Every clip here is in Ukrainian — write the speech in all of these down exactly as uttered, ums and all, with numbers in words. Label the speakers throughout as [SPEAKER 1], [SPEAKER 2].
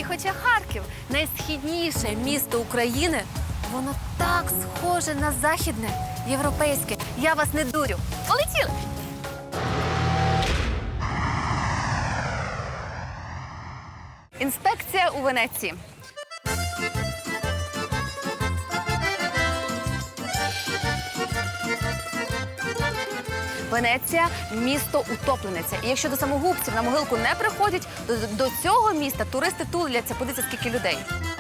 [SPEAKER 1] І хоча Харків найсхідніше місто України, воно так схоже на західне, європейське. Я вас не дурю. Полетіли! Інспекція у Венеції. Венеція – місто утоплениця. І якщо до самогубців на могилку не приходять, то до цього міста туристи туляться. Подивіться, скільки людей.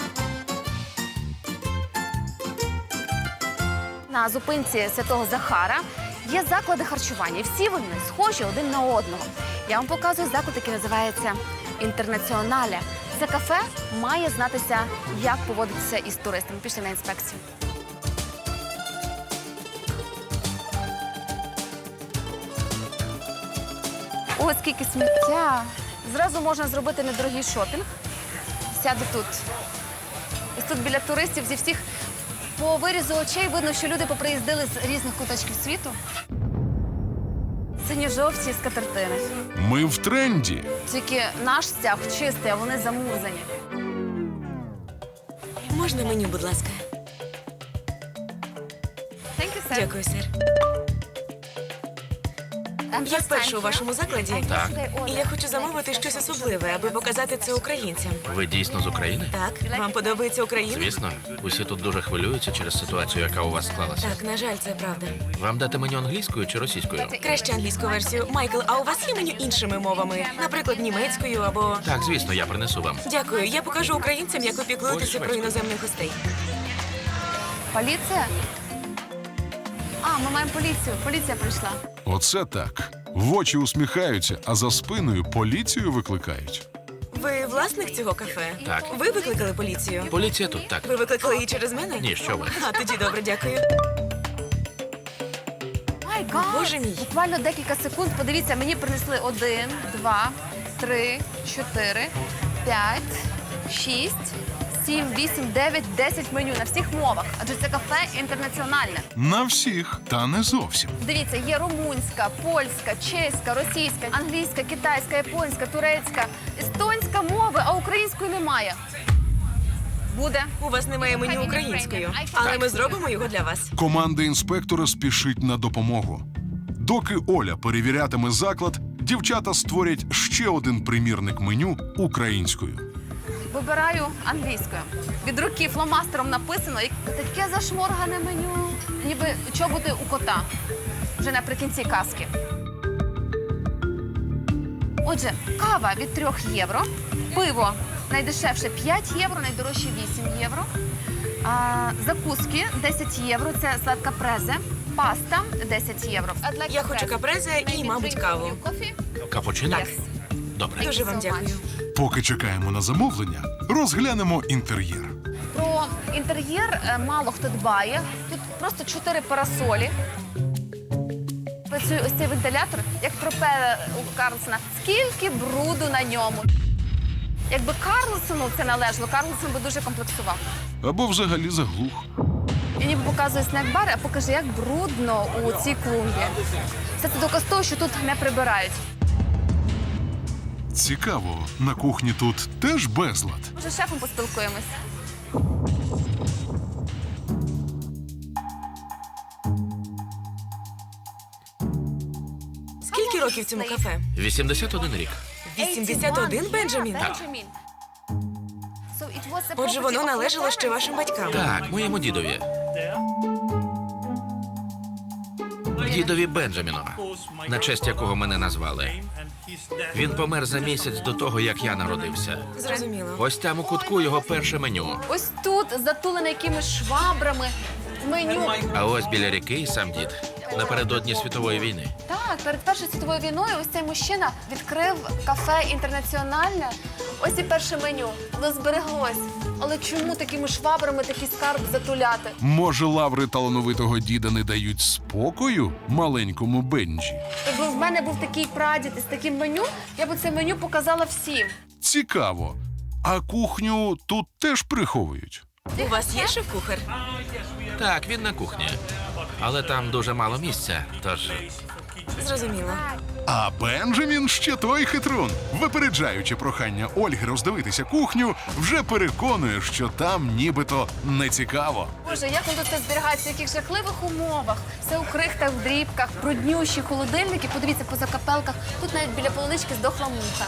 [SPEAKER 1] На зупинці Святого Захара є заклади харчування. І всі вони схожі один на одного. Я вам показую заклад, який називається «Інтернаціонале». Це кафе має знатися, як поводитися із туристами. Пішли на інспекцію. Ось скільки сміття. Зразу можна зробити недорогий шопінг. Сяду тут. Ось тут біля туристів зі всіх по вирізу очей видно, що люди поприїздили з різних куточків світу. Синьо-жовті скатертини.
[SPEAKER 2] Ми в тренді.
[SPEAKER 1] Тільки наш стяг чистий, а вони замурзані.
[SPEAKER 3] Можна меню, будь ласка?
[SPEAKER 1] Thank you, sir.
[SPEAKER 3] Дякую, сер. Я вперше у вашому закладі.
[SPEAKER 4] Так.
[SPEAKER 3] І я хочу замовити щось особливе, аби показати це українцям.
[SPEAKER 4] Ви дійсно з України?
[SPEAKER 3] Так, вам подобається Україна?
[SPEAKER 4] Звісно. Усі тут дуже хвилюються через ситуацію, яка у вас склалася.
[SPEAKER 3] Так, на жаль, це правда.
[SPEAKER 4] Вам дати меню англійською чи російською?
[SPEAKER 3] Краще англійську версію. Майкл, а у вас є меню іншими мовами? Наприклад, німецькою або...
[SPEAKER 4] Так, звісно, я принесу вам.
[SPEAKER 3] Дякую. Я покажу українцям, як ви піклуєтеся про іноземних гостей.
[SPEAKER 1] Поліція? А, ми маємо поліцію. Поліція прийшла.
[SPEAKER 2] Оце так. В очі усміхаються, а за спиною поліцію викликають.
[SPEAKER 3] Ви власник цього кафе?
[SPEAKER 4] Так.
[SPEAKER 3] Ви викликали поліцію?
[SPEAKER 4] Поліція тут, так.
[SPEAKER 3] Ви викликали її через мене?
[SPEAKER 4] Ні, що ви.
[SPEAKER 3] А, тоді добре, дякую.
[SPEAKER 1] Ай, гад!
[SPEAKER 3] Боже мій.
[SPEAKER 1] Буквально декілька секунд. Подивіться, мені принесли один, два, три, чотири, п'ять, шість, сім, вісім, дев'ять, десять меню на всіх мовах. Адже це кафе інтернаціональне.
[SPEAKER 2] На всіх, та не зовсім.
[SPEAKER 1] Дивіться, є румунська, польська, чеська, російська, англійська, китайська, японська, турецька, естонська мови, а української немає. Буде.
[SPEAKER 3] У вас немає меню українською, але ми зробимо його для вас.
[SPEAKER 2] Команда інспектора спішить на допомогу. Доки Оля перевірятиме заклад, дівчата створять ще один примірник меню українською.
[SPEAKER 1] Вибираю англійською. Від руки фломастером написано, і таке зашморгане меню, ніби чоботи у кота. Вже наприкінці казки. Отже, кава від трьох євро, пиво найдешевше п'ять євро, найдорожче вісім євро. А, закуски десять євро, це сладка презе, паста десять євро.
[SPEAKER 3] Я хочу капрезе і, мабуть, каву.
[SPEAKER 4] Капучино?
[SPEAKER 1] Так.
[SPEAKER 4] Добре.
[SPEAKER 3] Дуже вам дякую.
[SPEAKER 2] Поки чекаємо на замовлення, розглянемо інтер'єр.
[SPEAKER 1] Про інтер'єр е, мало хто дбає. Тут просто чотири парасолі. Працює ось цей вентилятор, як пропелер у Карлсона. Скільки бруду на ньому. Якби Карлсону це належало, Карлсон би дуже комплексував.
[SPEAKER 2] Або взагалі заглух.
[SPEAKER 1] Він ніби показує снек-бар, а покаже, як брудно у цій клумбі. Все це доказ того, що тут не прибирають.
[SPEAKER 2] Цікаво, на кухні тут теж безлад.
[SPEAKER 1] Може, з шефом поспілкуємось.
[SPEAKER 3] Скільки років цьому кафе?
[SPEAKER 4] вісімдесят один рік.
[SPEAKER 3] вісімдесят один, Бенджамін?
[SPEAKER 4] Так.
[SPEAKER 3] Отже, воно належало ще вашим батькам.
[SPEAKER 4] Так, моєму дідові. Дідові Бенджаміну, на честь якого мене назвали. Він помер за місяць до того, як я народився.
[SPEAKER 3] Зрозуміло.
[SPEAKER 4] Ось там у кутку його перше меню.
[SPEAKER 1] Ось тут, затулене якимись швабрами, меню.
[SPEAKER 4] А ось біля ріки і сам дід. Напередодні світової війни.
[SPEAKER 1] Так, перед Першою світовою війною ось цей мужчина відкрив кафе «Інтернаціональне». Ось і перше меню. Воно збереглось. Але чому такими швабрами такий скарб затуляти?
[SPEAKER 2] Може, лаври талановитого діда не дають спокою маленькому Бенджі?
[SPEAKER 1] Якби в мене був такий прадід із таким меню, я б це меню показала всім.
[SPEAKER 2] Цікаво. А кухню тут теж приховують?
[SPEAKER 3] У вас є шеф-кухар?
[SPEAKER 4] Так, він на кухні. Але там дуже мало місця, тож
[SPEAKER 3] Зрозуміло.
[SPEAKER 2] А Бенджамін ще той хитрун. Випереджаючи прохання Ольги роздивитися кухню, вже переконує, що там нібито не цікаво.
[SPEAKER 1] Боже, як воно тут це зберігається, в яких жахливих умовах. Все у крихтах, в дрібках, бруднющі холодильники. Подивіться, по закапелках. Тут навіть біля полунички здохла муха.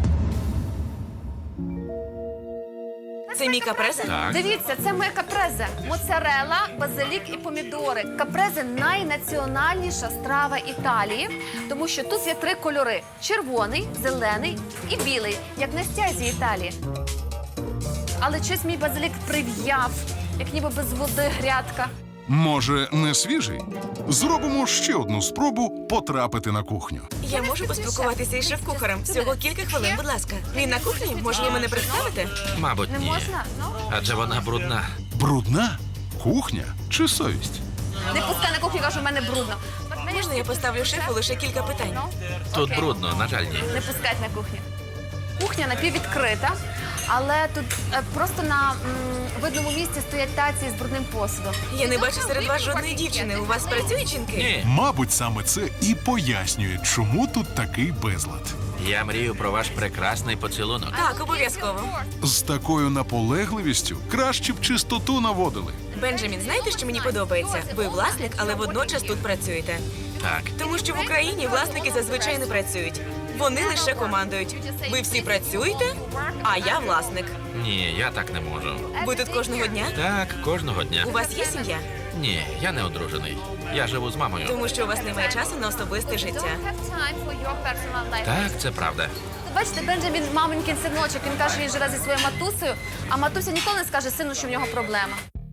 [SPEAKER 3] Це мій капрезе?
[SPEAKER 4] Так.
[SPEAKER 1] Дивіться, це моя капрезе. Моцарелла, базилік і помідори. Капрезе – найнаціональніша страва Італії, тому що тут є три кольори – червоний, зелений і білий, як на стязі Італії. Але щось мій базилік прив'яв, як ніби без води грядка.
[SPEAKER 2] Може, не свіжий? Зробимо ще одну спробу потрапити на кухню.
[SPEAKER 3] Я можу поспілкуватися із шеф-кухарем. Всього кілька хвилин, будь ласка. Він на кухні? Може, ви мене представите?
[SPEAKER 4] Мабуть,
[SPEAKER 1] Не
[SPEAKER 4] ні.
[SPEAKER 1] можна? Ну?
[SPEAKER 4] Адже вона брудна.
[SPEAKER 2] Брудна? Кухня чи совість?
[SPEAKER 1] Не пускай на кухню, кажу, в мене брудно.
[SPEAKER 3] Можна я поставлю шефу лише кілька питань?
[SPEAKER 4] Тут
[SPEAKER 1] Окей.
[SPEAKER 4] брудно, на жаль, ні.
[SPEAKER 1] Не пускать на кухню. Кухня напіввідкрита, але тут е, просто на м, видному місці стоять таці з брудним посудом.
[SPEAKER 3] Я не бачу серед вас жодної дівчини. У вас працюють жінки?
[SPEAKER 4] Ні.
[SPEAKER 2] Мабуть, саме це і пояснює, чому тут такий безлад.
[SPEAKER 4] Я мрію про ваш прекрасний поцілунок.
[SPEAKER 3] Так, обов'язково.
[SPEAKER 2] З такою наполегливістю краще б чистоту наводили.
[SPEAKER 3] Бенджамін, знаєте, що мені подобається? Ви власник, але водночас тут працюєте.
[SPEAKER 4] Так.
[SPEAKER 3] Тому що в Україні власники зазвичай не працюють. Вони лише командують. Ви всі працюєте, а я власник.
[SPEAKER 4] Ні, я так не можу.
[SPEAKER 3] Ви тут кожного дня?
[SPEAKER 4] Так, кожного дня.
[SPEAKER 3] У вас є сім'я?
[SPEAKER 4] Ні, я не одружений. Я живу з мамою.
[SPEAKER 3] Тому що у вас немає часу на особисте життя.
[SPEAKER 4] Так, це правда.
[SPEAKER 1] Бачите, Бенджамін маменькин синочок, він каже, він живе зі своєю матусею, а матуся ніколи не скаже сину, що в нього проблема.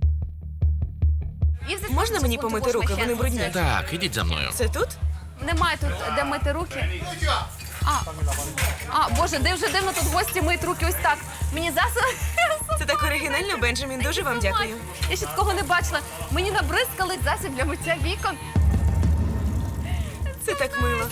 [SPEAKER 3] Можна мені помити руки? Вони брудні.
[SPEAKER 4] Так, ідіть за мною.
[SPEAKER 3] Це тут?
[SPEAKER 1] Немає тут, де мити руки. А, а, Боже, де вже дивно тут гості миють руки ось так. Мені засоби...
[SPEAKER 3] Це так оригінально, Бенджамін. Дуже вам дякую.
[SPEAKER 1] Я ще такого не бачила. Мені набризкали засіб для миття вікон.
[SPEAKER 3] Це так мило.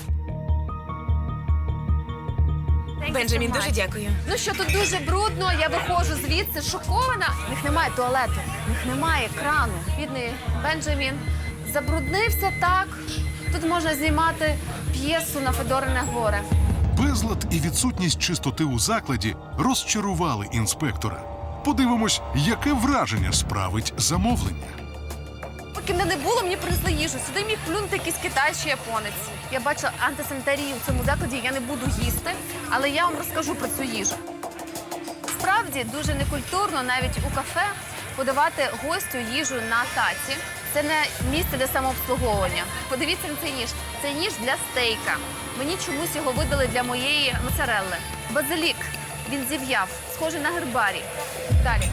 [SPEAKER 3] Бенджамін, дуже дякую.
[SPEAKER 1] Ну що, тут дуже брудно, я виходжу звідси шокована. В них немає туалету, в них немає крану. Бідний Бенджамін забруднився так. Тут можна знімати п'єсу на Федорине горе.
[SPEAKER 2] Безлад і відсутність чистоти у закладі розчарували інспектора. Подивимось, яке враження справить замовлення.
[SPEAKER 1] Поки мене не було, мені принесли їжу. Сюди міг плюнути якийсь китай чи японець. Я бачила антисанітарію в цьому закладі, я не буду їсти, але я вам розкажу про цю їжу. Справді, дуже некультурно навіть у кафе подавати гостю їжу на таці. Це не місце для самообслуговування. Подивіться на цей ніж. Це ніж для стейка. Мені чомусь його видали для моєї моцарелли. Базилік. Він зів'яв, схожий на гербарій. Далі.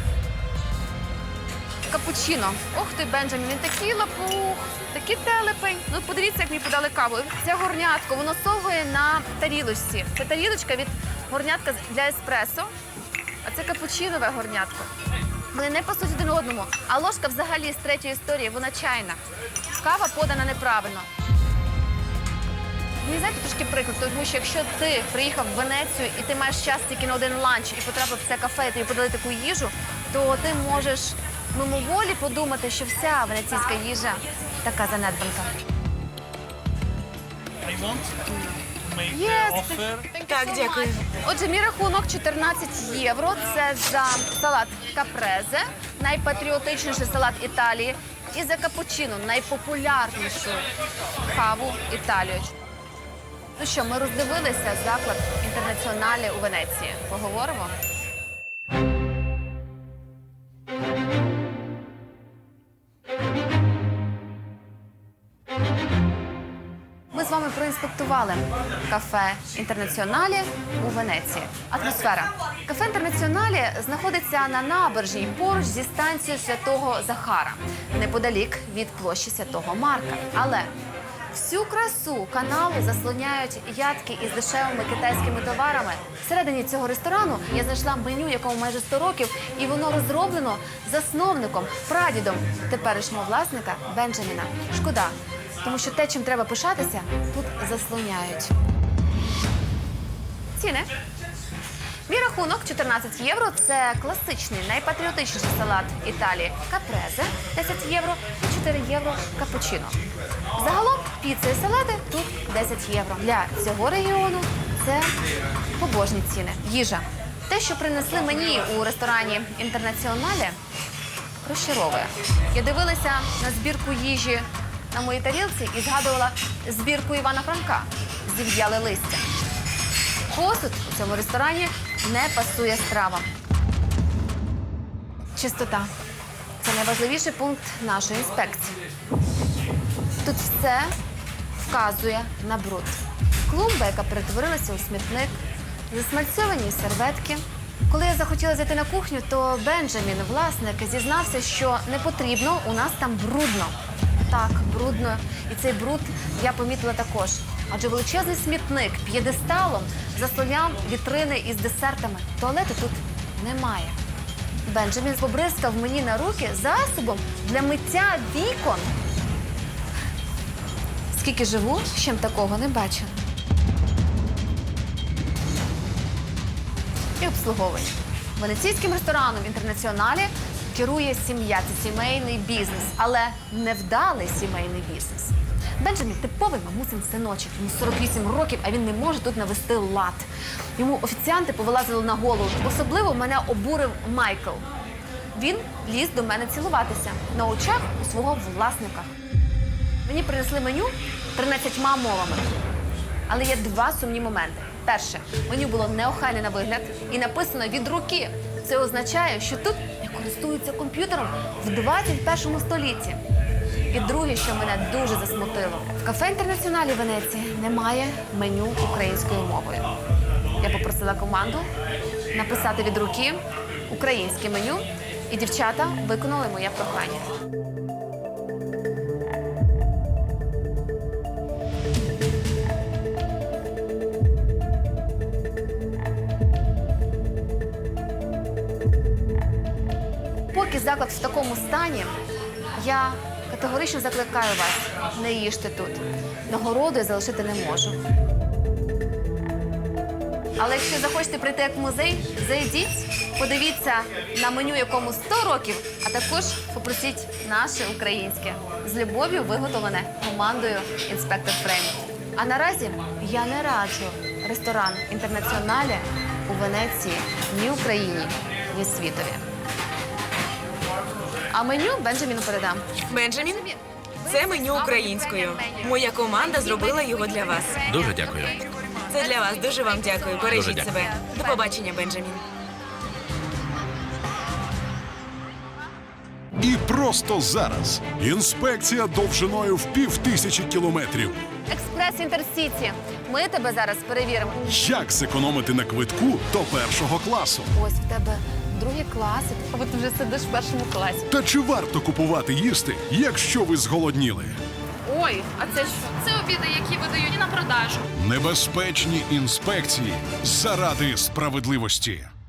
[SPEAKER 1] Капучино. Ох ти, Бенджамін, він такий лапух, такий телепень. Ну, подивіться, як мені подали каву. Це горнятко, воно совує на тарілочці. Це тарілочка від горнятка для еспресо, а це капучинове горнятко. Вони не пасуть один одному, а ложка взагалі з третьої історії, вона чайна. Кава подана неправильно. Мені, знаєте, трошки приклад, тому що якщо ти приїхав в Венецію і ти маєш час тільки на один ланч і потрапив в це кафе, і тобі подали таку їжу, то ти можеш мимоволі подумати, що вся венеційська їжа така занедбанка. Yes.
[SPEAKER 3] Так, дякую.
[SPEAKER 1] Отже, мій рахунок чотирнадцять євро. Це за салат капрезе, найпатріотичніший салат Італії, і за капучино, найпопулярнішу каву Італії. Ну що, ми роздивилися заклад інтернаціоналі у Венеції. Поговоримо? Ми з вами проінспектували кафе «Інтернаціоналі» у Венеції. Атмосфера. Кафе «Інтернаціоналі» знаходиться на набережній поруч зі станцією Святого Захара, неподалік від площі Святого Марка. Але всю красу каналу заслоняють ядки із дешевими китайськими товарами. Всередині цього ресторану я знайшла меню, якому майже сто років, і воно розроблено засновником, прадідом теперішнього власника Бенджаміна. Шкода. Тому що те, чим треба пишатися, тут заслоняють. Ціни. Мій рахунок чотирнадцять євро – це класичний, найпатріотичніший салат Італії капрезе – десять євро і чотири євро капучино. Загалом Піца і салати тут десять євро. Для цього регіону це побожні ціни. Їжа. Те, що принесли мені у ресторані «Інтернаціонале», розчаровує. Я дивилася на збірку їжі на моїй тарілці і згадувала збірку Івана Франка «Зів'яле листя». Посуд у цьому ресторані не пасує стравам. Чистота. Це найважливіший пункт нашої інспекції. Тут все вказує на бруд. Клумба, яка перетворилася у смітник, засмальцьовані серветки. Коли я захотіла зайти на кухню, то Бенджамін, власник, зізнався, що не потрібно, у нас там брудно. Так, брудно. І цей бруд я помітила також. Адже величезний смітник п'єдесталом заслоняв вітрини із десертами. Туалету тут немає. Бенджамін побризкав мені на руки засобом для миття вікон. Скільки живу, ще такого не бачила. І обслуговує. Венеційським рестораном «Інтернаціонале» керує сім'я. Це сімейний бізнес, але невдалий сімейний бізнес. Бенджамін – типовий мамусин синочок. Йому сорок вісім років, а він не може тут навести лад. Йому офіціанти повилазили на голову. Особливо мене обурив Майкл. Він ліз до мене цілуватися на очах у свого власника. Мені принесли меню тринадцятьма мовами. Але є два сумні моменти. Перше, меню було неохайне на вигляд і написано від руки. Це означає, що тут не користуються комп'ютером в двадцять першому столітті. І друге, що мене дуже засмутило. В кафе «Інтернаціонале» Венеції немає меню українською мовою. Я попросила команду написати від руки українське меню, і дівчата виконали моє прохання. Поки заклад в такому стані, я категорично закликаю вас, не їжте тут. Нагороду я залишити не можу. Але якщо захочете прийти як в музей, зайдіть, подивіться на меню, якому сто років, а також попросіть наше українське. З любов'ю виготовлене командою «Інспектор Фрейм». А наразі я не раджу ресторан «Інтернаціонале» у Венеції ні Україні, ні світові. А меню Бенджаміну передам.
[SPEAKER 3] Бенджамін, це меню українською. Моя команда зробила його для вас.
[SPEAKER 4] Дуже дякую.
[SPEAKER 3] Це для вас. Дуже вам дякую. Бережіть
[SPEAKER 4] дякую.
[SPEAKER 3] себе. До побачення, Бенджамін.
[SPEAKER 2] І просто зараз інспекція довжиною в пів тисячі кілометрів.
[SPEAKER 1] Експрес Інтерсіті. Ми тебе зараз перевіримо.
[SPEAKER 2] Як зекономити на квитку до першого класу?
[SPEAKER 1] Ось в тебе другий клас, а ти вже сидиш в першому класі.
[SPEAKER 2] Та чи варто купувати їсти, якщо ви зголодніли?
[SPEAKER 1] Ой, а це що?
[SPEAKER 5] Це обіди, які видають на продажу.
[SPEAKER 2] Небезпечні інспекції заради справедливості.